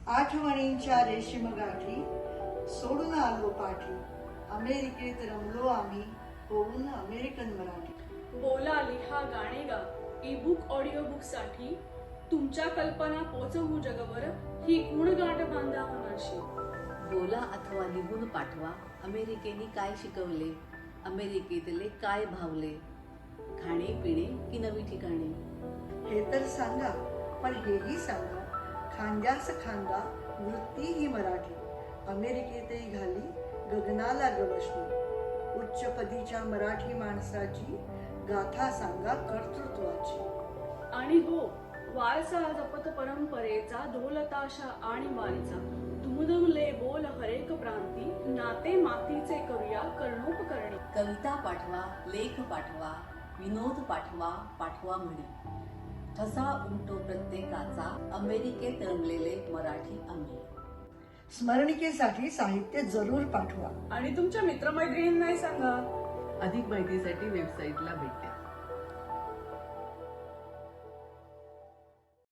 आठवणींच्या रेशीम गाठी सोडून आलो पाठी, अमेरिकेत रमलो आम्ही होऊन अमेरिकन मराठी. बोला, लिहा, गाणे गा, ई बुक ऑडिओ बुक साठी तुमच्या कल्पना पोचवू जगभर, ही गुणगाठ बांधा मनाशी. बोला अथवा लिहून पाठवा, अमेरिकेने काय शिकवले, अमेरिकेतले काय भावले, खाणे पिणे की नवी ठिकाणे. हे तर सांगा, पण हेही सांगा, खांद्यास खांदा वृत्ती ही मराठी, अमेरिकेतही घाली गगनाला गवसणी. उच्च पदीच्या मराठी माणसाची गाथा सांगा कर्तृत्वाची. आणि हो, वारसा जपत परंपरेचा, ढोलताशा आणि वारीचा, दुमदुमले बोल हरेक प्रांती, नाते मातीचे करूया कर्णोपकरणी. कविता पाठवा, लेख पाठवा, विनोद पाठवा, पाठवा म्हणी. ठसा उमटो प्रत्येकाचा, अमेरिकेत रमलेले मराठी आम्ही. स्मरणिकेसाठी साहित्य जरूर पाठवा. आणि तुमच्या मित्रमैत्रिणींनाही सांगा. अधिक माहितीसाठी वेबसाईटला भेट द्या.